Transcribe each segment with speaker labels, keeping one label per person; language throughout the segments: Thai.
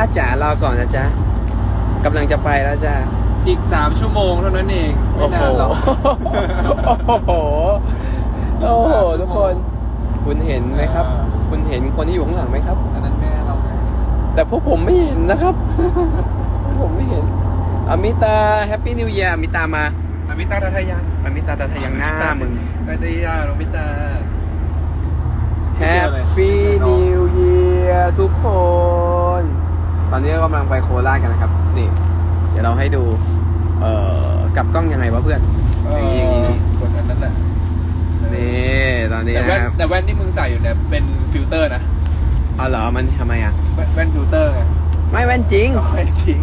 Speaker 1: จ๋ารอก่อนนะจ๊ะกำลังจะไปแล้วจ้ะ
Speaker 2: อีก3 ชั่วโมงเท่านั้นเองไม่นานหรอก
Speaker 1: โอ้โหทุกคนคุณเห็นไหมครับ คุณเห็นคนที่อยู่ข้างหลังไหมครับ
Speaker 2: อันนั้นแม่เราไง
Speaker 1: แต่พวกผมไม่เห็นนะครับ ผมไม่เห็นอมิตาแฮปปี้นิว e ย r อมิตามา
Speaker 2: อมิตาทัทยัง
Speaker 1: อมิตาตาทยังหน้ามึง
Speaker 2: ทัทยาอมิตา
Speaker 1: แฮปปี้นิว e ย r ทุกคน ตอนนี้กำลังไปโคราชกันนะครับนี่เดี๋ยวเราให้ดูกลับกล้องยังไงวะเพื่อนอย่างนี้
Speaker 2: กดอันนั้นแหละ
Speaker 1: นี่ตอนนี้นะครับ
Speaker 2: แต่แว่นที่มึงใส่อยู่เนี่ยเป็นฟิลเตอร์นะ
Speaker 1: อ๋อเหรอมันทำไมอ่ะ
Speaker 2: แว่นฟิลเตอร์ไง
Speaker 1: ไม่แว่นจริง
Speaker 2: แว่นจริง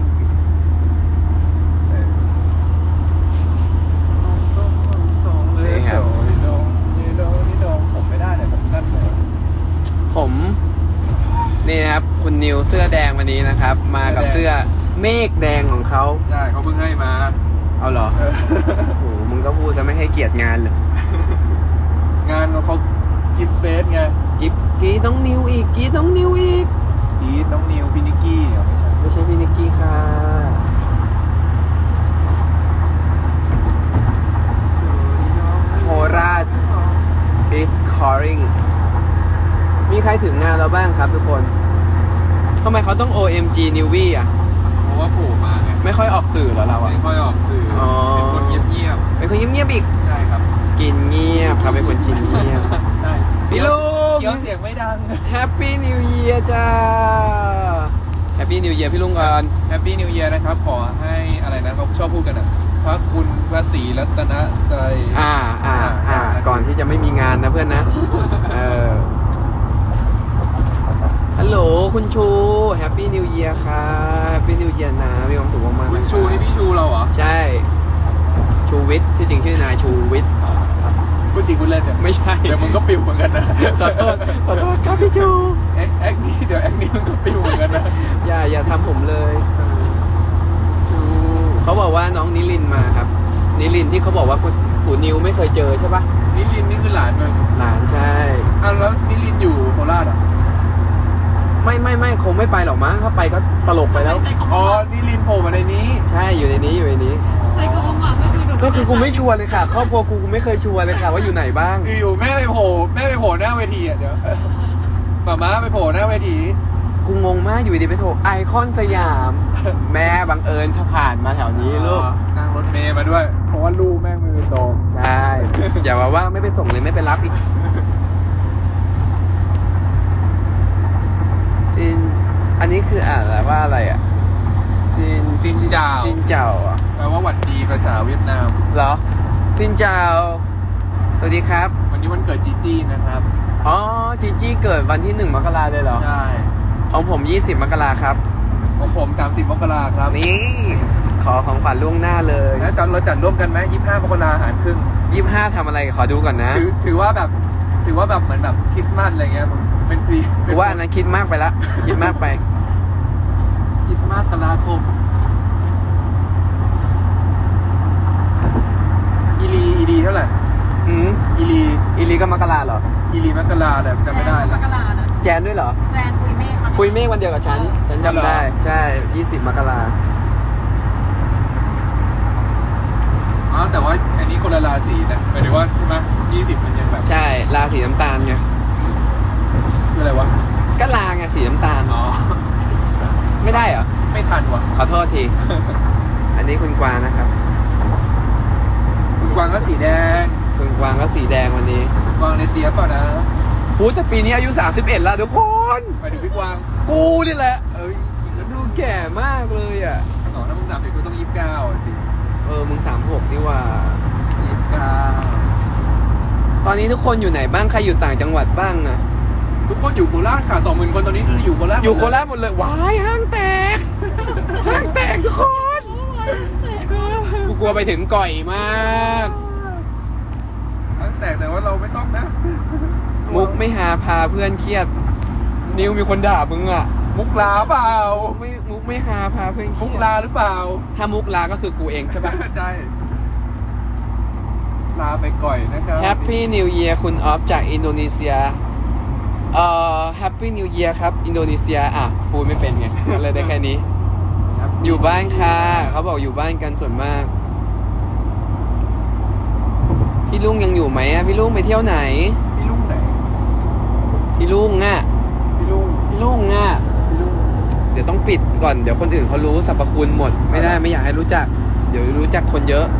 Speaker 1: นี่ครับ
Speaker 2: ผมไม่ได้เลยผมสั้นเลย
Speaker 1: ผมนี่นะครับคุณนิวเสื้อแดงวันนี้นะครับ มากับเสื้อเมฆแดงของเขา
Speaker 2: ใช่เขาเพิ่งให้มา
Speaker 1: เอาเหรอโอ้โหมึงก็พูดจะไม่ให้เกียรติงานเลย
Speaker 2: งานเขากิฟเฟสไง
Speaker 1: กีน้องนิวอีกกีน้องนิวอีก
Speaker 2: อีทน้องนิวพี่นิกกี้ไม่ใช่
Speaker 1: ไม่ใช่พี่นิกกี้ค่ะโคราช is calling มีใครถึงงานเราบ้างครับทุกคนทำไมเขาต้อง OMG Newbie อ่ะ
Speaker 2: เพราะว่าโผล่มาไง
Speaker 1: ไม่ค่อยออกสื่อเหรอเราอ่ะ
Speaker 2: ไม่ค่อยออกสื่ออ
Speaker 1: อ
Speaker 2: เป็นคนเงียบ
Speaker 1: เป็นคนเงียบๆอีก
Speaker 2: ๆใช่ครับ
Speaker 1: กินเงียบครับเป็นคนกินเงียบ
Speaker 2: ใช่
Speaker 1: พี่ลุง
Speaker 2: เคี้ยวเสียงไม่ดัง
Speaker 1: Happy New Year จ้า Happy New Year พี่ลุงก่อน
Speaker 2: แฮปปี้นิวเยียร์นะครับ ขอให้อะไรนะเขาชอบพูดกันอ่ะพระคุณพระศรีรัตนตรัย
Speaker 1: ก่อนที่จะไม่มีงานนะเพื่อนนะ ฮัลโหลคุณชู Happy New Year ค่ะ Happy New Year นะมีความสุขมากๆ
Speaker 2: คุ
Speaker 1: นะ
Speaker 2: ณชูนี่พี่ชูเราเหรอ
Speaker 1: ใช่ ชูวิทย์ชื่อจริงชื่อนายชูวิทย์
Speaker 2: พูดจริงพูดเล่นเนี่ย
Speaker 1: ไม่ใช่
Speaker 2: เดี๋ยวมึงก็ปิวเหมือนกันนะ
Speaker 1: ขอโทษครับพี่ชู
Speaker 2: แอคนี่เดี๋ยวแอคนี่มึงก็ปิวเหมือนกันนะ
Speaker 1: อย่าทำผมเลยเขาบอกว่าน้องนิลินมาครับ นิลินที่เขาบอกว่าปู่นิวไม่เคยเจอใช่ปะ
Speaker 2: นิลินนี่คือหลานมึง
Speaker 1: หลานใช่
Speaker 2: อ้าวแล้วนิลินอยู่โคราชอ่ะ
Speaker 1: ไม่คงไม่ไปหรอกมั้งถ้าไปก็ตลกไปแล้ว
Speaker 2: อ๋อนิลินโผล่มาในนี้
Speaker 1: ใช่อยู่ในนี้
Speaker 3: ใช้คำว่าหมาก็คือ
Speaker 1: กูไม่ชัวร์เลยค่ะครอบครัวกูไม่เคยชัวร์เลยค่ะว่าอยู่ไหนบ้าง
Speaker 2: อยู่ๆแม่ไปโผล่หน้าเวทีอ่ะเดี๋ยวหม่าม้าไปโผล่หน้าเวที
Speaker 1: กูงงมากอยู่ดีไปโทรไอคอนสยาม แม่บังเอิญถ้าผ่านมาแถวนี้ลูก
Speaker 2: นั่งรถเมย์มาด้วย เพราะว่าลูกแม่งมือตรง
Speaker 1: ใช่อย่าว่าไม่ไปส่งเลยไม่ไปรับอีกซินอันนี้คืออ่านว่าอะไรอ่ะซินเจ้าอ่ะ
Speaker 2: แปลว่าหวัดดีภาษาเวียดนาม
Speaker 1: เหรอซินเจ้าสวัสดีครับ
Speaker 2: วันนี้วันเกิดจีจี้นะครับ
Speaker 1: อ๋อจีจี้เกิดวันที่1 มกราเลยเหรอ
Speaker 2: ใช่
Speaker 1: ของผม20 มกราครับ
Speaker 2: ของผม30 มกราครับ
Speaker 1: นี่ขอของฝันล่วงหน้าเลย
Speaker 2: แล้วเราจัดร่วมกันไหม25 มกราหารครึ่ง
Speaker 1: 25ทำอะไรขอดูก่อนนะ
Speaker 2: ถือว่าแบบเหมือนแบบคริสต์มาสอะไรเงี้ยเป็นปี
Speaker 1: กูว่าอันนั้นคิดมากไปละคิดมากไป
Speaker 2: คริสต์มาสตุลาคมอีลีเท่าไหร่ อีลี
Speaker 1: ก็มกราเหรอ
Speaker 2: อีลีมกราแต่จำไม่ได้
Speaker 3: ม
Speaker 2: ละ
Speaker 3: กราน่ะ
Speaker 1: แจนด้วยเหรอ
Speaker 3: แจนปุยเมฆมา
Speaker 1: คุยเมฆวันเดียวกับฉันจำได้ ใช่ 20 มกรา
Speaker 2: อ๋อแต่ว่าอันนี้คนละราศีนะหมายถึงว่าใช่ไหม20มันยังแบบ
Speaker 1: ใช่ราสีน้ำตาลไง
Speaker 2: คืออะไรวะ
Speaker 1: ก็ลาไงสีน้ำตาล
Speaker 2: อ๋อ
Speaker 1: ไม่ได้เหรอ
Speaker 2: ไม่ทันวะ
Speaker 1: ขอโทษที อันนี้คุณกวางนะครับ
Speaker 2: คุณกวางก็สีแดง
Speaker 1: คุณกวางก็สีแดงวันนี้
Speaker 2: คุณกวางเนตเดียบเปล่านะ
Speaker 1: พูดแต่ปีนี้อายุ31แล้วทุกคน
Speaker 2: หมายถึงพี่กวาง
Speaker 1: กูนี่แหละ ดูแก่มากเลยอ่ะ
Speaker 2: อ๋อถ้ามึงนับเด็กก็ต้อง29สิ
Speaker 1: มึง36นี่ว่า
Speaker 2: 29
Speaker 1: ตอนนี้ทุกคนอยู่ไหนบ้าง ใครอยู่ต่างจังหวัดบ้างอะ
Speaker 2: ทุกคนอยู่โคราชค่ะ 20,000 คนตอนนี้คืออยู่โคราช
Speaker 1: อยู่โคราชหมดเลย ว้ายห้างแตก ห้างแตกทุกคน กูกลัวไปถึงก่อยมาก
Speaker 2: แต่ว่าเราไม่ต้องนะ
Speaker 1: มุกไม่หาพาเพื่อนเครียด นิวมีคนด่ามึงอะ
Speaker 2: มุกลาเปล่า
Speaker 1: มุกไม่หาพาเพื่อนเครี
Speaker 2: มุ
Speaker 1: ย
Speaker 2: ก
Speaker 1: ด
Speaker 2: ลาหรือเปล่า
Speaker 1: ถ้ามุกลาก็คือกูเองใช่ปะ
Speaker 2: ใช่ลาไปก่อยนะครับ
Speaker 1: Happy New Year คุณออฟจากอินโดนีเซีย Happy New Year ครับ อินโดนีเซียอ่ะพูดไม่เป็นไงก็เลยได้แค่นี้ อยู่บ้านค่ะเขาบอกอยู่บ้านกันส่วนมาก พี่ลุงยังอยู่ไหมอ่ะพี่ลุงไปเที่ยวไหน
Speaker 2: พี่ลุงไหน
Speaker 1: พี่ลุงอ่ะ
Speaker 2: พี่ลุง
Speaker 1: พี่ลุงอ่ะ
Speaker 2: พี่ลุง
Speaker 1: เดี๋ยวต้องปิดก่อนเดี๋ยวคนอื่นเขารู้สรรพคุณหมดไม่ได้ไม่อยากให้รู้จัก เดี๋ยวรู้จักคนเยอะ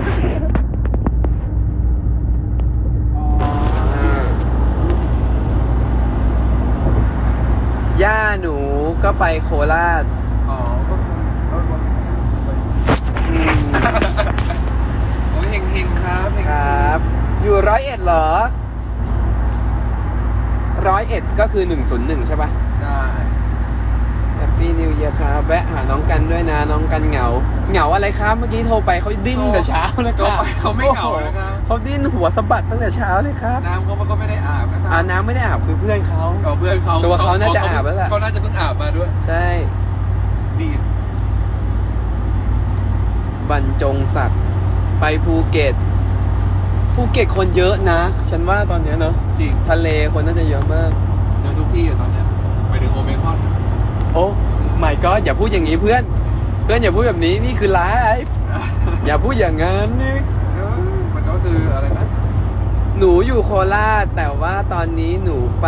Speaker 1: ย่าหนูก็ไปโคราช
Speaker 2: อ๋อก็โอ้ยเฮงๆครับเฮงๆ
Speaker 1: ครับ อยู่101เหรอ101ก็คือ101ใช่ปะ
Speaker 2: ใช่
Speaker 1: Happy New Year ครับแวะหาน้องกันด้วยนะน้องกันเหงาอะไรครับเมื่อกี้โทรไปเขาดิ้นแต่เช้าเลยค
Speaker 2: ก็
Speaker 1: รับ
Speaker 2: ไปเขาไม่เหงานะครับ
Speaker 1: เขาดิ้นหัวสะบัดตั้งแต่เช้าเลยครับ
Speaker 2: น้ำเขาก็ไม่ได้อาบนะครั
Speaker 1: น้ำไม่ได้อาบคือเพื่อนเขา
Speaker 2: เอาเพื่อนเขา
Speaker 1: ตัวเขาน่าจะอาบแล้วล่ะ
Speaker 2: เขาน่าจะเพิ่งอาบมาด้วย
Speaker 1: ใช่
Speaker 2: ดีด
Speaker 1: บรรจงศักดิ์ไปภูเก็ตคนเยอะนะ ฉันว่าตอนเนี้ยเนอะ
Speaker 2: จริง
Speaker 1: ทะเลคนน่าจะเยอะมาก
Speaker 2: เดี๋ยวทุกที่อยู่ตอนเนี้ยไปถึงโอเมก้อน
Speaker 1: โอ้ไม่ก็อย่าพูดอย่างนี้เพื่อนอย่าพูดแบบนี้นี่คือไลฟ์อย่าพูดอย่างนั้นนี่
Speaker 2: มันก็คืออะไรนะ
Speaker 1: หนูอยู่โคราชแต่ว่าตอนนี้หนูไป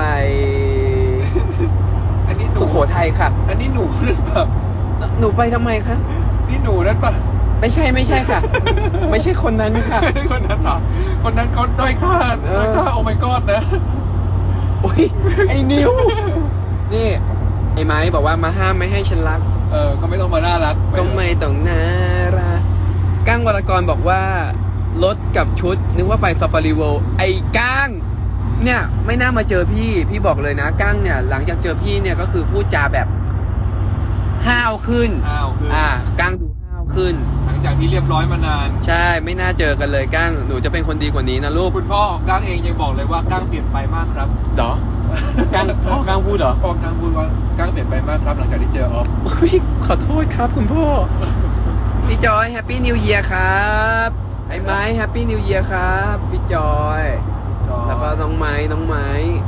Speaker 2: อันนี้หนู
Speaker 1: สุโขทัยค่ะ
Speaker 2: อันนี้หนูนั่นปะ
Speaker 1: หนูไปทำไมคะ
Speaker 2: นี่หนูนั่นปะ
Speaker 1: ไม่ใช่ค่ะ ไม่ใช่คนนั้นค่ะ
Speaker 2: คนนั้นเหรอคนนั้นเขาด้อยค่าโอเมก้อนนะ
Speaker 1: โอ้ยไอ้นิวนี่ไอ้ไม้บอกว่ามาห้ามไม่ให้ฉันรัก
Speaker 2: ก็ไม่ต้องมาน่ารัก
Speaker 1: ก็ไม่ต้องน่ารักก้างวรกรบอกว่ารถกับชุดนึกว่าไปซาฟารีเวิลด์ไอ้ก้างเนี่ยไม่น่ามาเจอพี่บอกเลยนะก้างเนี่ยหลังจากเจอพี่เนี่ยก็คือพูดจาแบบห้าวขึ้น
Speaker 2: อ้าวคือ
Speaker 1: ก้างดูห้าวขึ้น
Speaker 2: หลังจากที่เรียบร้อยมานาน
Speaker 1: ใช่ไม่น่าเจอกันเลยก้างหนูจะเป็นคนดีกว่านี้นะลูก
Speaker 2: คุณพ่อก้างเองยังบอกเลยว่าก้างเปลี่ยนไปมากครับ
Speaker 1: เหรอก้างพูดเหรอ
Speaker 2: พ่อก้างพูดว่าก้างเปลี่ยนไปมากครับ หลังจากที่เจอออฟ
Speaker 1: พี่ขอโทษครับคุณพ่อพี่จอยแฮปปี้นิวเยียร์ครับไอ้ไม้แฮปปี้นิวเยียร์ครับพี่จอยแล้วก็น้องไม้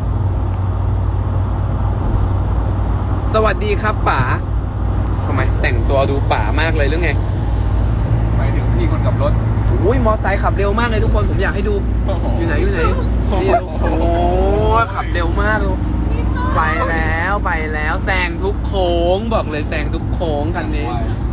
Speaker 1: สวัสดีครับป๋าทำไมแต่งตัวดูป๋ามากเลยหรือไง
Speaker 2: ไปถึงพี่คนขับรถ
Speaker 1: อุ้ยมอไซค์ขับเร็วมากเลยทุกคนผมอยากให้ดูอยู่ไหนนี่โอ้ขับเร็วมากเลยไปแล้วแซงทุกโค้งบอกเลยแซงทุกโค้งคันนี้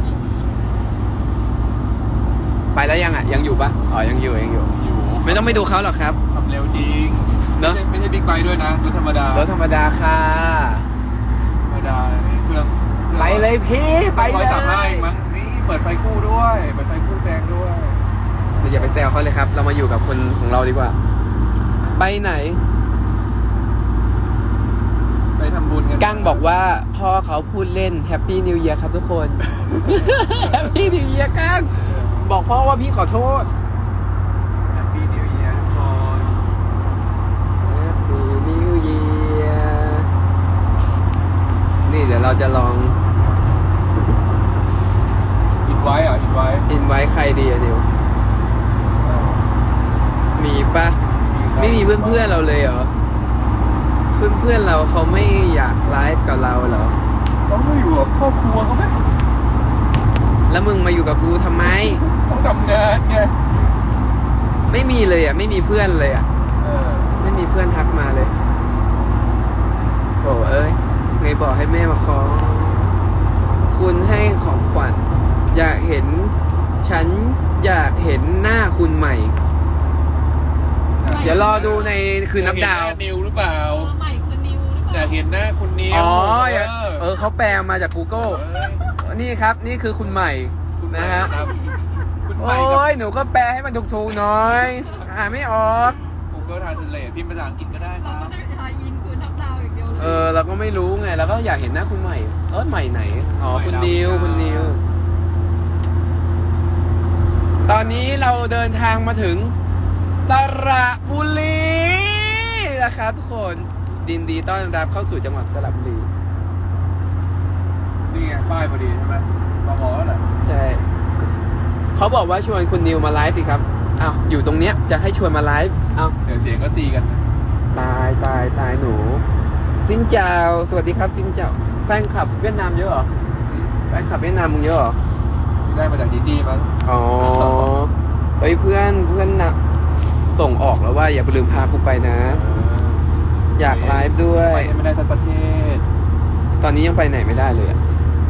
Speaker 1: ไปแล้วยังยังอยู่ปะอ๋อยังอยู่
Speaker 2: อยู่
Speaker 1: ไม่ต้องไปดูเขาหรอกครับ
Speaker 2: ขับเร็วจริง
Speaker 1: เนอะ
Speaker 2: ไม่ใช่บิ๊กไบค์ด้วยนะรถธรรมดาร
Speaker 1: ถธรรมดาค่ะ
Speaker 2: ธรรมดานี่เครื่อง
Speaker 1: ไปเลยพี่ไปเลย
Speaker 2: 135มั้งนี่เปิดไฟคู่ด้วยเปิดไฟคู่แซงด้วย
Speaker 1: อย่าไปแซวเขาเลยครับ เรามาอยู่กับคนของเราดีกว่า ไปไหน
Speaker 2: ไปทำบุญกัน
Speaker 1: กั้งบอกว่าพ่อเขาพูดเล่นแฮปปี้นิวเยียร์ครับทุกคน แฮปปี้นิวเยียร์กั้งบอกพ่อว่าพี่ขอโทษ
Speaker 2: แฮปปี้นิวเยียร์ทุกคน
Speaker 1: Happy New Year นี่เดี๋ยวเราจะลอง
Speaker 2: อินไว้เหรออินไว้
Speaker 1: อินไว้ใครดีอะนิวมีปะไม่มีเพื่อนๆเราเลยเหรอ เพื่อนๆเราเขาไม่อยากไลฟ์กับเราเหรอ
Speaker 2: เขาไม่อยู่กับครอบครัวเขาไหม
Speaker 1: แล้วมึงมาอยู่กับกูทำไม
Speaker 2: ต้องทำงานไง
Speaker 1: ไม่มีเลยอ่ะ ไม่มีเพื่อนเลยอ่ะ
Speaker 2: เออ
Speaker 1: ไม่มีเพื่อนทักมาเลยโอ้เอ้ยไงบอกให้แม่มาขอ คุณให้ของขวัญอยากเห็น ฉันอยากเห็นหน้าคุณใหม่ เดี๋ยวรอดูในคืนนับดาว
Speaker 2: อยกเห็นหน้นิวหรือเปล่า
Speaker 3: ใหม่คือนิวหรือเป
Speaker 2: อยา
Speaker 3: ล่าก
Speaker 2: เห็นหน้าคุณนิว
Speaker 1: อ๋อเขาแปลมาจาก Google นี่ครับ นี่คือคุณใหม่
Speaker 2: คุณใหม่
Speaker 1: นะฮะ
Speaker 2: ครับคุณใหม่
Speaker 1: โอ้
Speaker 2: กับ
Speaker 1: ยหนูก็แปลให้มันถูกๆหน่อยอ่านไม่ออก
Speaker 2: Google Translate พิมพ์ภาษาอังกฤษก็ได้ค
Speaker 3: เรา
Speaker 2: รั
Speaker 3: ก็
Speaker 2: บ
Speaker 3: จะทายอินคือนับดาวอย่างเดียวเลย
Speaker 1: เราก็ไม่รู้ไงเราก็อยากเห็นหน้าคุณใหม่ใหม่ไหนอ๋อคุณนิวตอนนี้เราเดินทางมาถึงสระบุรีนะครับทุกคนยินดีต้อนรับเข้าสู่จังหวัดสระบุรี
Speaker 2: นี่ไงป้ายพอดีใช่ไหมตมแล้วแหละ
Speaker 1: ใช่เขาบอกว่าชวนคุณนิวมาไลฟ์สิครับอ้าวอยู่ตรงเนี้ยจะให้ชวนมาไลฟ์อ้าว
Speaker 2: เดี๋ยวเสียงก็ตีกันนะ
Speaker 1: ตายหนูซินเจ้าสวัสดีครับซินเจ้าแฟนคลับเวียดนามเยอะเหรอแฟนคลับเวียดนามมึงเยอะเหรอ
Speaker 2: ได้มาจากจีจี้มั้ง
Speaker 1: อ๋อเฮ้ยเพื่อนนะส่งออกแล้วว่าอย่าไปลืมพากูไปนะ อยากไลฟ์ด้วย
Speaker 2: ไปไม่ได้ทั้งประเทศ
Speaker 1: ตอนนี้ยังไปไหนไม่ได้เลยอะ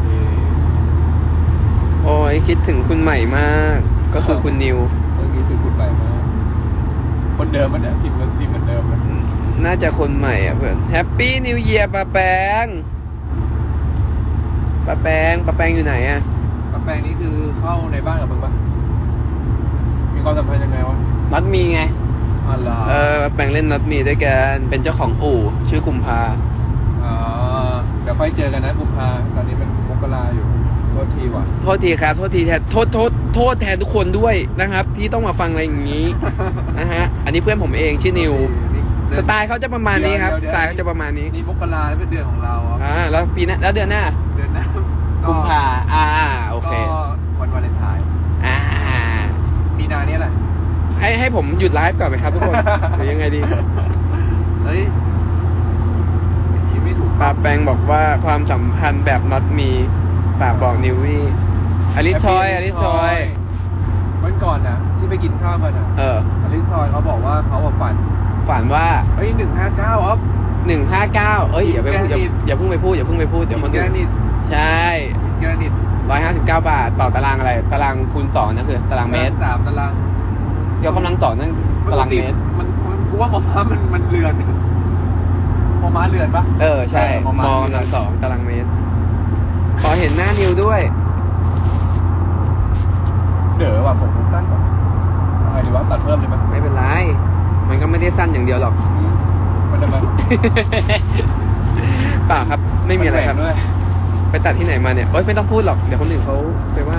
Speaker 1: โอ้ยคิดถึงคุณใหม่มาก ก็คือคุณนิว
Speaker 2: เมื่อกี้ถือคุณใหม่มาคนเดิมมันเนี่ยพิมพ์เหมือนเดิมนะ
Speaker 1: น่าจะคนใหม่อ่ะเพื่อนแฮปปี้นิวเยียร์ปาแปงปาแปงอยู่ไหนอ่ะ
Speaker 2: ป้าแปงนี่คือเข้าในบ้านกับมึงปะมีความสัมพันธ์ยังไงวะ
Speaker 1: น็อตมีไง
Speaker 2: อ๋อเหรอ
Speaker 1: ปาแปงเล่นน็อตมีด้วยกันเป็นเจ้าของอู่ชื่อกุมภา
Speaker 2: อ๋อเดี๋ยวค่อยเจอกันนะกุมภาตอนนี้เป็นมกราอยู่โทษทีว่ะ
Speaker 1: โทษทีครับโทษทีแทนโทษแทนทุกคนด้วยนะครับ ที่ต้องมาฟังอะไรอย่างนี้ นะฮะอันนี้เพื่อนผมเองชื่อนิวสไตล์เขาจะประมาณนี้ครับสไตล์เขาจะประมาณนี้
Speaker 2: นี่มกราเป็นเดือนของเราอ่ะ
Speaker 1: แล้วปีหน้าแล้วเดือนหน้า
Speaker 2: เดือนหน้า
Speaker 1: กุมภาโอเค
Speaker 2: ก็วันวาเลนไทน์
Speaker 1: อ่า
Speaker 2: มีนาเนี่ยแหละ
Speaker 1: ให้ผมหยุดไลฟ์ก่อนไหมครับทุกคน หรือยังไงดี
Speaker 2: เฮ้ยอย่างนี้ไม่ถูก
Speaker 1: ปาแปงบอกว่าความสัมพันธ์แบบน็อตมีฝากบอกนิววี่อลิสทอย
Speaker 2: วันก่อนน่ะ ที่ไปกินข้าวกันน่ะ อลิซทอยเขาบอกว่าเขาฝัน
Speaker 1: ฝันว่า
Speaker 2: เฮ้ย159อ๊อฟ
Speaker 1: 159อย่าไปพูดอย่าเพิ่งไปพูดเดี๋ยวคนอื่น
Speaker 2: นิด
Speaker 1: ใช่
Speaker 2: แกรนิต
Speaker 1: 159 บาทต่อตารางอะไรตารางคูณ2นั่นคือตารางเมตร
Speaker 2: 3 ตาราง
Speaker 1: ยกกำลัง2นั่นตารางเมตร
Speaker 2: มันกูว่ามอม้ามันเรือนมอม้าเรือนปะ
Speaker 1: ใช่มกำลัง2ตารางเมตรขอเห็นหน้านิวด้วย
Speaker 2: เด๋อว่ะผมสั้นกว่าอะไรดีวะตัดเพิ่มเลยไหม
Speaker 1: ไม่เป็นไรมันก็ไม่ได้สั้นอย่างเดียวหรอก
Speaker 2: มันจะมา
Speaker 1: เปล่าครับไม่มีอะไรครับ
Speaker 2: นแหว่งด้วย
Speaker 1: ไปตัดที่ไหนมาเนี่ยโอ๊ยไม่ต้องพูดหรอกเดี๋ยวคนอื่นเขาไปว่า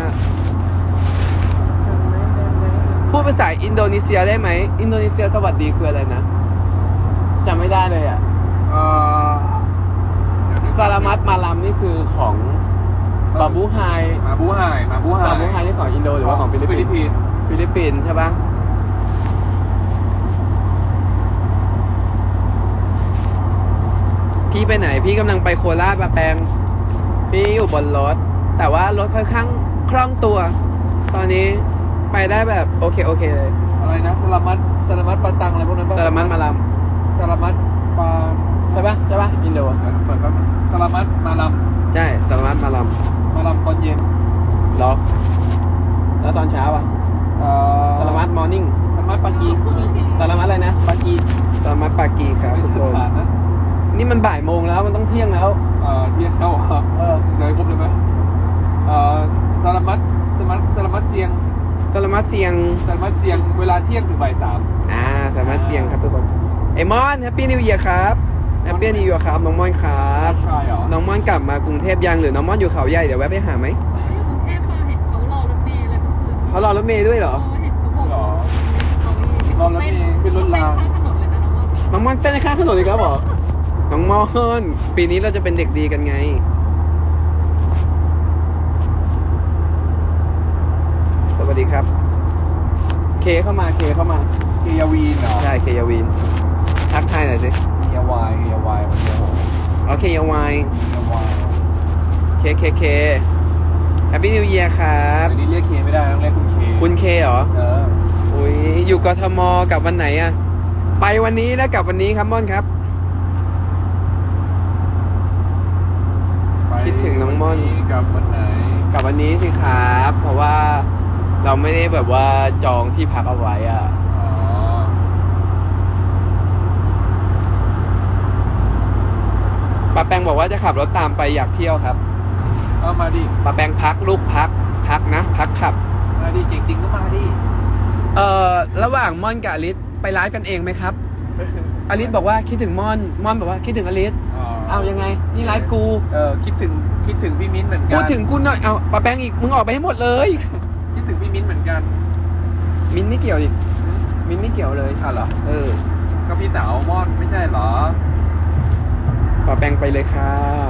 Speaker 1: พูดภาษาอินโดนีเซียได้ไหมอินโดนีเซียสวัสดีคืออะไรนะจำไม่ได้เลยอ่ะ ซาลามัตมาลัมนี่คือของบาบูไฮ
Speaker 2: มาบูไฮ
Speaker 1: บาบูไฮนี่ของอินโดหรือว่าของฟิลิปปินส์ฟิลิปปินส์ใช่ปะพี่ไปไหนพี่กำลังไปโคราชปะแปงพี่อยู่บนรถแต่ว่ารถค่อนข้างคล่องตัว ตอนนี้ไปได้แบบโอเคเลย
Speaker 2: อะไรนะสลามัตปาตังอะไรพวกนั้นปะ
Speaker 1: ซาลามัตมาลัม
Speaker 2: สลามัตปา
Speaker 1: ใช่ปะอินโด
Speaker 2: เปิดแป๊บสลามัตมาลัม
Speaker 1: ใช่ซาลามัตมาลัม
Speaker 2: ตอนเย็น
Speaker 1: หรอแล้วตอนเช้าอ่ะซาลามัตมอร์นิ่ง
Speaker 2: สลามัตปากี
Speaker 1: ซาลามัตอะไรนะ
Speaker 2: ปากี
Speaker 1: ซาลามัตปากีครับ
Speaker 2: ไม่
Speaker 1: ทุก
Speaker 2: ใช่
Speaker 1: คน
Speaker 2: ผ่านนะ
Speaker 1: นี่มันบ่ายโมงแล้วมันต้องเที่ยงแล้ว
Speaker 2: เที่ยงเข้าเดี๋ยวครบเลยไหมสลามัตเซียง
Speaker 1: ซาลามัตเซียง
Speaker 2: เวลาเที่ยงถึงบ่าย 3
Speaker 1: ซาลามัตเซียงครับทุกคนเอมอนแฮปปี้นิวเยียร์ครับแฮปปี้นิวเยียร์ครับน้องมอนครับ
Speaker 2: ใช่เหรอ
Speaker 1: น้องมอนกลับมากรุงเทพยังหรือน้องมอนอยู่เขาใหญ่เดี๋ยวแวะไปหาไหม
Speaker 3: กรุงเทพมาเห็นเขารอรถเมล์เลยเมื่อคืน
Speaker 1: เขารอรถเมย์ด้วยเหรอ
Speaker 3: เห็นเขาบอก
Speaker 2: เหรอ
Speaker 3: เขามี
Speaker 2: รอรถเมล์ขึ้นรถราง
Speaker 3: ข้างถนนเลยนะน้องว่า
Speaker 1: น้องมอนเต้นข้างถนนอีกแล้วเหรอน้องมอนปีนี้เราจะเป็นเด็กดีกันไงสวัสดีครับเคเข้ามา
Speaker 2: เคียวีนเหรอ
Speaker 1: ใช่เคยาวินทักทายหน่อยสิ
Speaker 2: เคียวายมันเดียว
Speaker 1: โอเคยาวาย
Speaker 2: เคียวาย
Speaker 1: เคแฮปปี้นิวเยียร์ครับ
Speaker 2: เดี๋ยวนี้เรียกเคไม่ได้ต้องเรียกคุณเค
Speaker 1: คุณเคเหรอ
Speaker 2: เ
Speaker 1: อุ้ยอยู่กทมกับวันไหนอะไปวันนี้แล้วกลับวันนี้ครับม่อนครับ คิดถึงน้องม่อน
Speaker 2: กับวันไหน
Speaker 1: กลับวันนี้สิครับ เพราะว่าเราไม่ได้แบบว่าจองที่พักเอาไว้อะ
Speaker 2: อ๋อ
Speaker 1: ป้าแปงบอกว่าจะขับรถตามไปอยากเที่ยวครับ
Speaker 2: เอามาดิ
Speaker 1: ป้าแปงพักลูกพักนะพักขับ
Speaker 2: มาดิจริงๆก็มาดิ
Speaker 1: ระหว่างม่อนกับอลิสไปไลฟ์กันเองไหมครับอลิสบอกว่าคิดถึงม่อนบอกว่าคิดถึงอลิสเอายังไงนี่ไลฟ์กู
Speaker 2: คิดถึงพี่มิ้นเหมือนกัน
Speaker 1: พูดถึงกูหน่อยเอาป้าแปงอีกมึงออกไปให้หมดเลย
Speaker 2: คิดถึงพี่มิ้นเหมือนกัน
Speaker 1: มิ้นไม่เกี่ยวดิมิ้นไม่เกี่ยวเลย
Speaker 2: เหรอ ก็พี่สาวม่อนไม่ใช่เหรอ
Speaker 1: ป้าแปงไปเลยค่ะ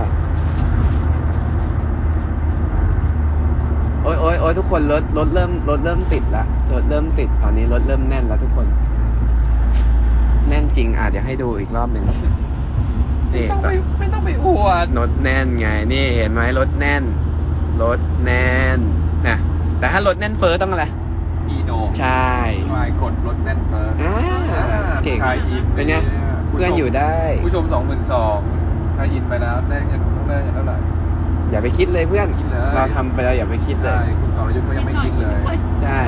Speaker 1: โอ้ยทุกคนรถเริ่มติดละรถเริ่มติดตอนนี้รถเริ่มแน่นแล้วทุกคน แน่นจริงเดี๋ยวให้ดูอีกรอบหนึ่งนี่
Speaker 2: ไม่ต้องไปอวด
Speaker 1: รถแน่นไงนี่เห็นไหมรถแน่นรถแน่นนะแต่ถ้ารถแน่นเฟ้อต้องอะไร
Speaker 2: อีโน
Speaker 1: ใช่
Speaker 2: วายกดรถแน่นเฟ้อ
Speaker 1: อ่าเก่ง
Speaker 2: ทายอิน
Speaker 1: เป็นไงเพื่อนอยู่ได้
Speaker 2: ผู้ชม 22,000ทายอินไปแล้วได้เงินต้องได้เงินเท่าไหร่
Speaker 1: อย่าไปคิดเลยเพื่อน
Speaker 2: คิดเลย
Speaker 1: เราทำไปแล้วอย่าไปคิดเล
Speaker 2: ใช่
Speaker 1: ย
Speaker 2: คุณสรยุทธ์ก็ยังไม่คิดเลย
Speaker 1: ใช่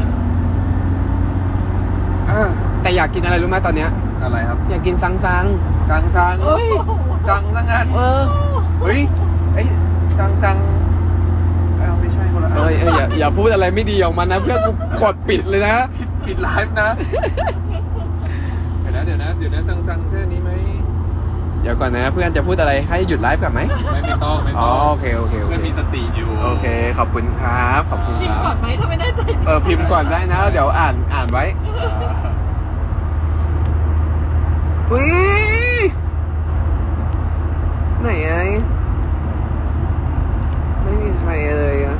Speaker 1: แต่อยากกินอะไรรู้ไหมตอนเนี้ย
Speaker 2: อะไรครับ
Speaker 1: อยากกินซัง
Speaker 2: สั่ง
Speaker 1: เอ้ย
Speaker 2: สั่งซะงั้น เฮ้ยไอ้สั่งไม่ใช่คนละ
Speaker 1: เอ้ยอย่าพูดอะไรไม่ดีออกมานะเพื่อนกูกดปิดเลยนะ
Speaker 2: ปิดไลฟ์นะ เดี๋ยวนะสั่งแค่นี้ไหม
Speaker 1: เดี๋ยวก่อนนะเพื่อนจะพูดอะไรให้หยุดไลฟ์ก่อนไหม
Speaker 2: ไม่ต้อง
Speaker 1: อ๋อโอเค
Speaker 2: เพื่อนมีสติอยู่
Speaker 1: โอเคขอบคุณครับขอบคุณ
Speaker 3: พิ
Speaker 1: ค
Speaker 3: มพ์ก่
Speaker 1: รั
Speaker 3: อบ นไหมถ้าไม่แน่ใจ
Speaker 1: พิมพ์ก่อนได้นะเดี๋ยวอ่านไว้อุ้ยไหนไอ้ไม่มีใครเลยอะ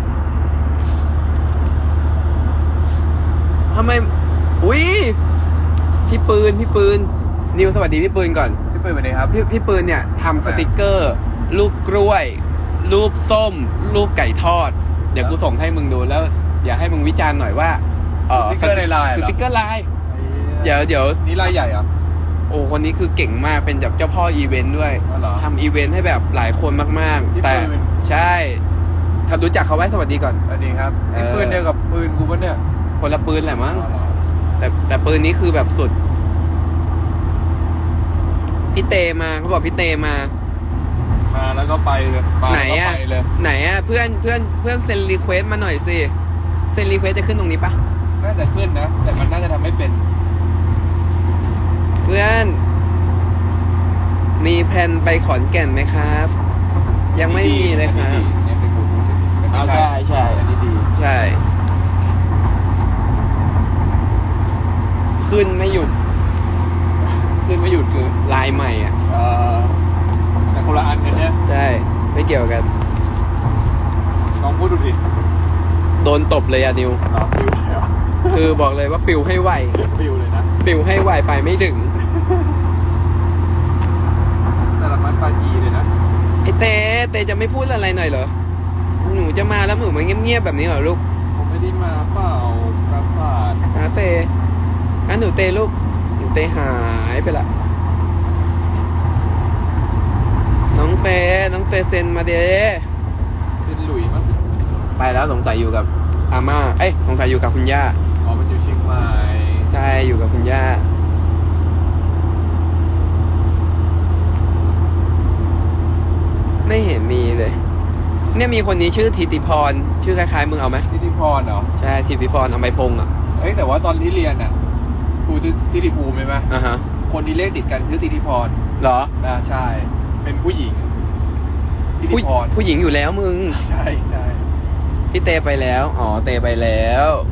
Speaker 1: ทำไมอุ้ยพี่ปืนนิวสวัสดีพี่ปืนก่อน
Speaker 2: พี่เปิดไปเลยครับ
Speaker 1: พี่ปืนเนี่ยทำสติกเกอร์ รูปกล้วย รูปส้ม รูปไก่ทอด เดี๋ยวกูส่งให้มึงดูแล้ว อยากให้มึงวิจารณ์หน่อยว่า
Speaker 2: สติกเกอร์ในไลน์เหรอ
Speaker 1: สติกเกอร์ไลน์เดี๋ยว
Speaker 2: นี่รายใหญ่เหรอ
Speaker 1: โอ้คนนี้คือเก่งมากเป็นแบบเจ้าพ่ออีเวนต์ด้วย
Speaker 2: อ๋อเหรอ
Speaker 1: ทำอีเวนต์ให้แบบหลายคนมาก
Speaker 2: พี่
Speaker 1: ๆ แต่
Speaker 2: ปืน
Speaker 1: ใช่ถ้ารู้จักเขาไว้สวัสดีก่อน
Speaker 2: สวัสดีครับ
Speaker 1: เออ
Speaker 2: นี่ปืนเดียวกับปืนกูปะเนี่ย
Speaker 1: คนละปืนแหละมั้ง
Speaker 2: อ๋อเหรอ
Speaker 1: แต่ปืนนี้คือแบบสุดพี่เตมาเขาบอกพี่เตมา
Speaker 2: มาแล้วก็ไปเลยมา
Speaker 1: ไหน
Speaker 2: แล้วก็
Speaker 1: อะ
Speaker 2: ไปเลย
Speaker 1: ไหนอะเพื่อนเซ็นรีเควสมาหน่อยสิเซ็นรีเควสจะขึ้นตรงนี้ปะ
Speaker 2: น่าจะขึ้นนะ แต่มันน่าจะทำไม่เป็น
Speaker 1: เพื่อน มีแผนไปขอนแก่นไหมครับ ยังไม่มีเลยครับ
Speaker 2: เนี่ยเป็นกูรู้สึก
Speaker 1: อ๋อใช่
Speaker 2: อันนี้ดี
Speaker 1: ใช่ ขึ้นไม่หยุดคือลายใหม่อ่ะ
Speaker 2: แต่คนละอันกันเนี่ย
Speaker 1: ใช่ไม่เกี่ยวกัน
Speaker 2: ลองพูดดูดิ
Speaker 1: โดนตบเลยอะนิว
Speaker 2: ลองฟิวเลยเหรอ
Speaker 1: คือบอกเลยว่าปิวให้ไว
Speaker 2: ฟิวเลยนะ
Speaker 1: ปิวให้ไวไปไม่ถึง
Speaker 2: แต่ละมันปาจีเลยนะ
Speaker 1: ไอเตจะไม่พูดอะไรหน่อยเหรอหนูจะมาแล้วหนูมาเงียบๆแบบนี้เหรอลูก
Speaker 2: ผมไม่ได้มาเปล่าประสาท
Speaker 1: หาเตงั้นหนูเตลูกหนูเตหายไปละน้องเตเซ็นมาเด้
Speaker 2: ซินหลุยมั้ง
Speaker 1: ไปแล้วสงสัยอยู่กับอาม่าสงสัยอยู่กับคุณย่า
Speaker 2: อ๋อมันอยู่เชียงใหม่
Speaker 1: ใช่อยู่กับคุณย่าไม่เห็นมีเลย เนี่ยมีคนนี้ชื่อธิติพรชื่อคล้ายๆมึงเอาไหม
Speaker 2: ทิติพรเหรอ
Speaker 1: ใช่ธิติพรเอาไม้พงอ่ะ
Speaker 2: เฮ้ยแต่ว่าตอนที่เรียนอ่ะครูทิติภูมิใช่ไหม
Speaker 1: อ่ะฮะ
Speaker 2: คนที่เลขติดกันคือทิติพร
Speaker 1: เหรอ
Speaker 2: ใช่ เป็นผู้หญิงทิติ
Speaker 1: ผู้
Speaker 2: พร
Speaker 1: ผู้หญิงอยู่แล้วมึง
Speaker 2: ใช่ใช่
Speaker 1: พี่เตไปแล้วอ๋อเตไปแล้ว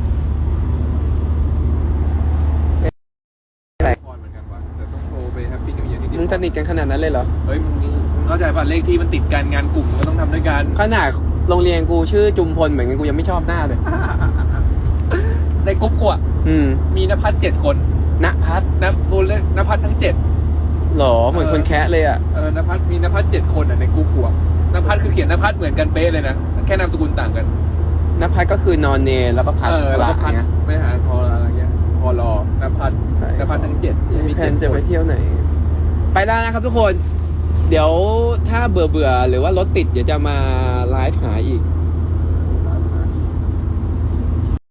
Speaker 2: พรเหมือนกันวะแต่ต้องโทรไปแฮปปี้นิวเยียร์ที่
Speaker 1: มึงสนิทกันขนาดนั้นเลยเหรอ
Speaker 2: เฮ้ยมึงเข้าใจป่ะเลขที่มันติดกันงานกลุ่มก็ต้องทำด้วยกัน
Speaker 1: ขนาดโรงเรียนกูชื่อจุมพลเหมือนกันกูยังไม่ชอบหน้าเลย
Speaker 2: ในกลุ่มกูอะ มีนภัส7 คน
Speaker 1: ณพัฒน์
Speaker 2: นภัสทั้ง 7
Speaker 1: หรอเหมือนคนแคะเลยอ่ะ
Speaker 2: นภัสมีนภัส7 คนอะในกลุ่มกูอะนภัสคือเขียนนภัสเหมือนกันเป๊ะเลยนะแค่นามสกุลต่างกัน
Speaker 1: ณพัฒน์ก็คือนอนเนแล้วก็พัฒน์
Speaker 2: แล้วก็พัส
Speaker 1: เงี้ย
Speaker 2: ไม่หาพออะไรเงี้ยพอรอนภัสทั้ง 7
Speaker 1: มีแผนจะไปเที่ยวไหน ไปแล้วนะครับทุกคน เดี๋ยวถ้าเบื่อหรือว่ารถติดเดี๋ยวจะมาไลฟ์หาอีก